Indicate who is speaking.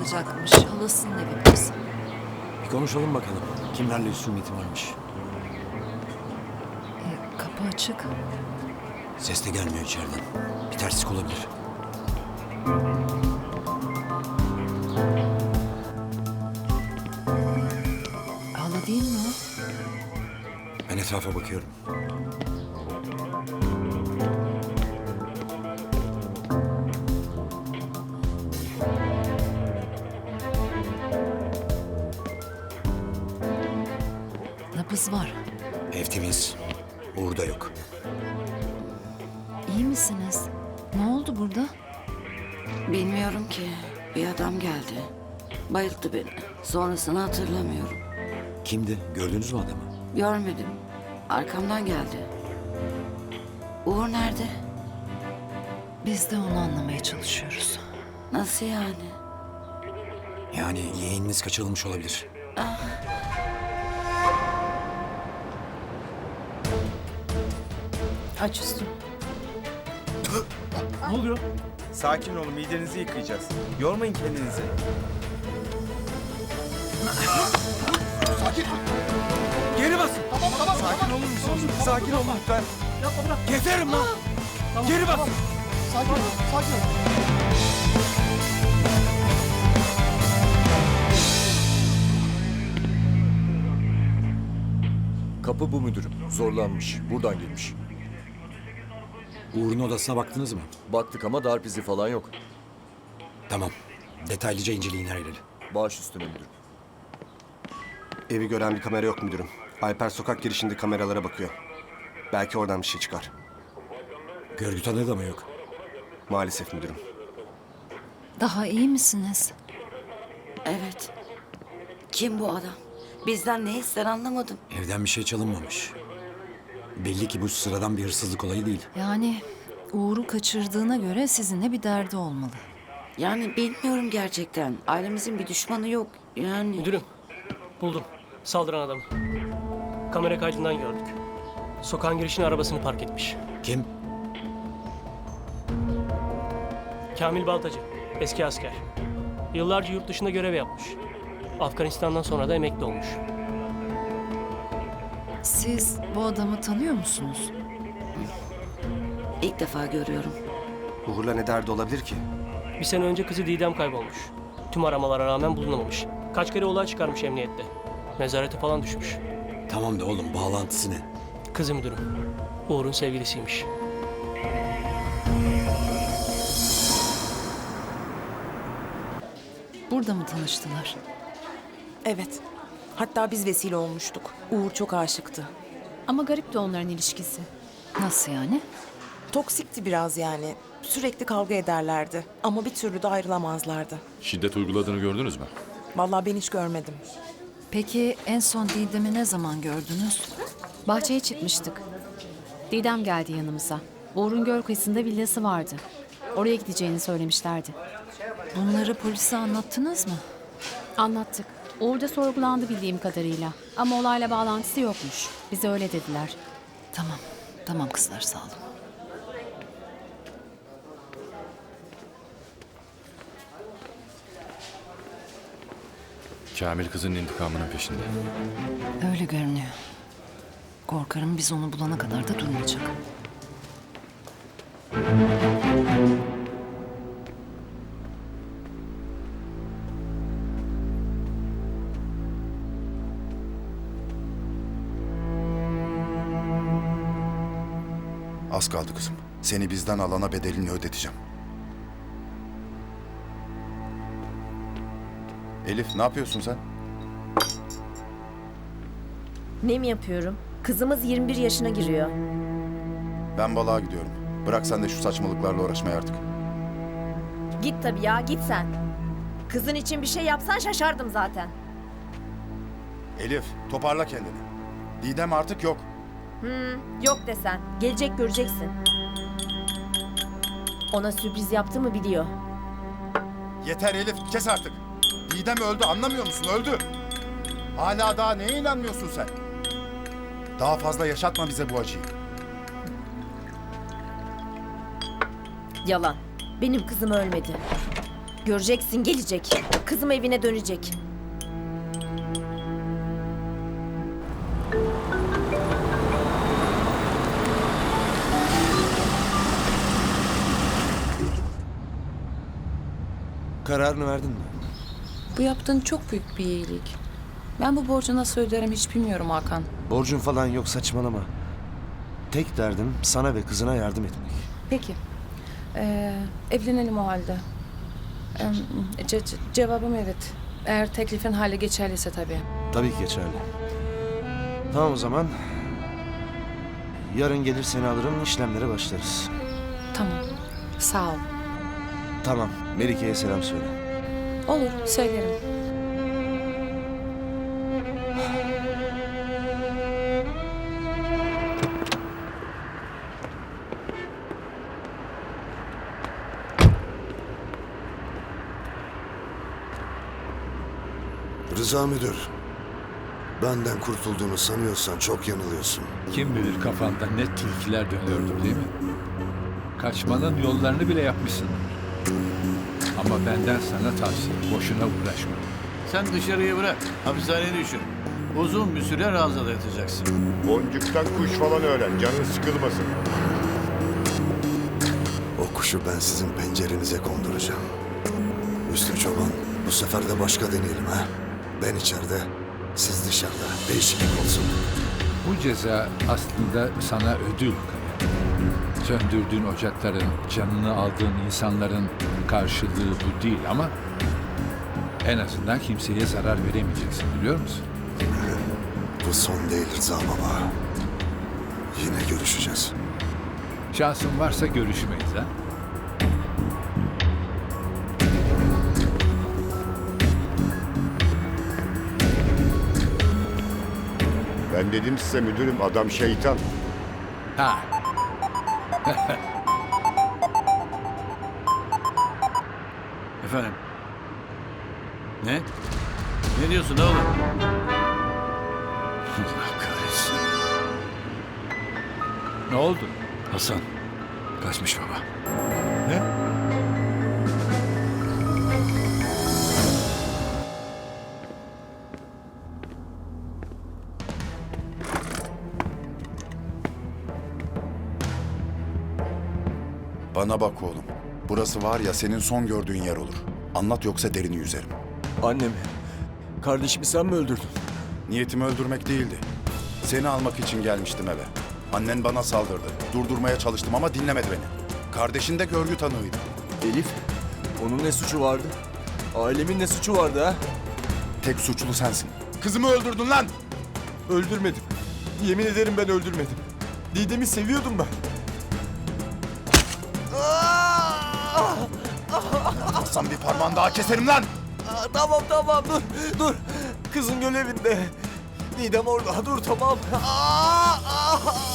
Speaker 1: kalacakmış. Halasının evi burası.
Speaker 2: Bir konuşalım bakalım. Kimlerle husumeti varmış.
Speaker 1: Kapı açık.
Speaker 2: Ses de gelmiyor içeriden. Bir terslik olabilir.
Speaker 1: Hala değil mi o?
Speaker 2: Ben etrafa bakıyorum.
Speaker 1: Nabız var.
Speaker 2: Ev temiz. Uğur da yok.
Speaker 1: İyi misiniz? Ne oldu burada?
Speaker 3: Bilmiyorum ki. Bir adam geldi. Bayılttı beni. Sonrasını hatırlamıyorum.
Speaker 2: Kimdi? Gördünüz mü adamı?
Speaker 3: Görmedim. Arkamdan geldi. Uğur nerede?
Speaker 1: Biz de onu anlamaya çalışıyoruz.
Speaker 3: Nasıl yani?
Speaker 2: Yani yeğeniniz kaçırılmış olabilir.
Speaker 1: Aç üstü.
Speaker 4: Ne oluyor?
Speaker 5: Sakin olun, midenizi yıkayacağız. Yormayın kendinizi. Geri basın.
Speaker 4: Tamam.
Speaker 5: Sakin olur musunuz? Sakin olun lütfen.
Speaker 4: Yapma bırak.
Speaker 5: Yeterim lan. Geri basın.
Speaker 4: Sakin ol. Sakin ol.
Speaker 6: Kapı bu müdürüm. Zorlanmış. Buradan girmiş.
Speaker 2: Uğur'un odasına baktınız mı?
Speaker 6: Baktık ama darp izi falan yok.
Speaker 2: Tamam. Detaylıca inceleyin her yeri.
Speaker 6: Baş üstüne müdürüm.
Speaker 7: Evi gören bir kamera yok müdürüm. Alper sokak girişinde kameralara bakıyor. Belki oradan bir şey çıkar.
Speaker 2: Görgü tanığı da mı yok?
Speaker 7: Maalesef müdürüm.
Speaker 1: Daha iyi misiniz?
Speaker 3: Evet. Kim bu adam? Bizden ne ister anlamadım.
Speaker 2: Evden bir şey çalınmamış. Belli ki bu sıradan bir hırsızlık olayı değil.
Speaker 1: Yani Uğur'u kaçırdığına göre sizinle bir derdi olmalı.
Speaker 3: Yani bilmiyorum gerçekten. Ailemizin bir düşmanı yok. Yani...
Speaker 4: Müdürüm, buldum. Saldıran adamı. Kamera kaydından gördük. Sokağın girişine arabasını park etmiş.
Speaker 2: Kim?
Speaker 4: Kamil Baltacı, eski asker. Yıllarca yurt dışında görev yapmış. Afganistan'dan sonra da emekli olmuş.
Speaker 1: Siz bu adamı tanıyor musunuz?
Speaker 3: İlk defa görüyorum.
Speaker 7: Uğur'la ne derdi olabilir ki?
Speaker 4: Bir sene önce kızı Didem kaybolmuş. Tüm aramalara rağmen bulunamamış. Kaç kere olay çıkarmış emniyette. Nezarete falan düşmüş.
Speaker 2: Tamam da oğlum bağlantısı ne?
Speaker 4: Kızı müdürüm. Uğur'un sevgilisiymiş.
Speaker 1: Burada mı tanıştılar?
Speaker 8: Evet. Hatta biz vesile olmuştuk. Uğur çok aşıktı.
Speaker 9: Ama garip de onların ilişkisi.
Speaker 1: Nasıl yani?
Speaker 8: Toksikti biraz yani. Sürekli kavga ederlerdi. Ama bir türlü de ayrılamazlardı.
Speaker 10: Şiddet uyguladığını gördünüz mü?
Speaker 8: Vallahi ben hiç görmedim.
Speaker 1: Peki en son Didem'i ne zaman gördünüz?
Speaker 9: Bahçeye çıkmıştık. Didem geldi yanımıza. Uğur'un göl kıyısında villası vardı. Oraya gideceğini söylemişlerdi.
Speaker 1: Bunları polise anlattınız mı?
Speaker 9: Anlattık. Uğur da sorgulandı bildiğim kadarıyla. Ama olayla bağlantısı yokmuş. Bize öyle dediler.
Speaker 1: Tamam, tamam kızlar sağ olun.
Speaker 10: Kamil kızın intikamının peşinde.
Speaker 1: Öyle görünüyor. Korkarım biz onu bulana kadar da durmayacak.
Speaker 11: Az kaldı kızım. Seni bizden alana bedelini ödeteceğim. Elif, ne yapıyorsun sen?
Speaker 12: Ne mi yapıyorum? Kızımız 21 yaşına giriyor.
Speaker 11: Ben balığa gidiyorum. Bırak sen de şu saçmalıklarla uğraşmayı artık.
Speaker 12: Git tabii ya, git sen. Kızın için bir şey yapsan şaşardım zaten.
Speaker 11: Elif, toparla kendini. Didem artık yok.
Speaker 12: Yok desen. Gelecek göreceksin. Ona sürpriz yaptığımı biliyor.
Speaker 11: Yeter Elif, kes artık. Didem öldü, anlamıyor musun? Öldü. Hala daha neye inanmıyorsun sen? Daha fazla yaşatma bize bu acıyı.
Speaker 12: Yalan. Benim kızım ölmedi. Göreceksin gelecek. Kızım evine dönecek.
Speaker 5: Kararını verdin mi?
Speaker 1: Bu yaptığın çok büyük bir iyilik. Ben bu borcu nasıl öderim hiç bilmiyorum Hakan.
Speaker 5: Borcun falan yok, saçmalama. Tek derdim sana ve kızına yardım etmek.
Speaker 1: Peki. Evlenelim o halde. Cevabım evet. Eğer teklifin hale geçerliyse tabii.
Speaker 5: Tabii ki geçerli. Tamam o zaman. Yarın gelir seni alırım, işlemlere başlarız.
Speaker 1: Tamam. Sağ ol.
Speaker 5: Tamam, Melike'ye selam söyle.
Speaker 1: Olur, söylerim.
Speaker 11: Rıza müdür. Benden kurtulduğunu sanıyorsan çok yanılıyorsun.
Speaker 10: Kim bilir kafanda ne tilkiler dönüyordur değil mi? Kaçmanın yollarını bile yapmışsın. Ama benden sana tavsiye, boşuna uğraşma.
Speaker 13: Sen dışarıya bırak. Hapishaneye düşün. Uzun bir süre ranzada yatacaksın.
Speaker 11: Boncuktan kuş falan öğren, canın sıkılmasın. O kuşu ben sizin pencerenize konduracağım. Üstü Çoban, bu sefer de başka deneyelim ha. Ben içeride, siz dışarıda. Değişiklik olsun.
Speaker 10: Bu ceza aslında sana ödül Kaya. Söndürdüğün ocakların, canını aldığın insanların karşılığı bu değil ama en azından kimseye zarar veremeyeceksin, biliyor musun?
Speaker 11: Bu son değil Rıza baba. Yine görüşeceğiz.
Speaker 10: Şansın varsa görüşmeyiz ha.
Speaker 11: Ben dedim size müdürüm, adam şeytan.
Speaker 10: Ha.
Speaker 13: Efendim? Ne? Ne diyorsun oğlum? Allah kahretsin.
Speaker 10: Ne oldu?
Speaker 13: Hasan. Kaçmış baba.
Speaker 10: Ne?
Speaker 11: Bana bak oğlum. Burası var ya senin son gördüğün yer olur. Anlat yoksa derini yüzerim.
Speaker 5: Annemi, kardeşimi sen mi öldürdün?
Speaker 11: Niyetimi öldürmek değildi. Seni almak için gelmiştim eve. Annen bana saldırdı. Durdurmaya çalıştım ama dinlemedi beni. Kardeşin de görgü tanığıydı.
Speaker 5: Elif, onun ne suçu vardı? Ailemin ne suçu vardı ha?
Speaker 11: Tek suçlu sensin. Kızımı öldürdün lan!
Speaker 5: Öldürmedim. Yemin ederim ben öldürmedim. Didem'i seviyordum ben.
Speaker 11: Hasan bir parmağını daha keserim lan!
Speaker 5: Tamam dur. Kızın görevinde. Didem orada dur tamam.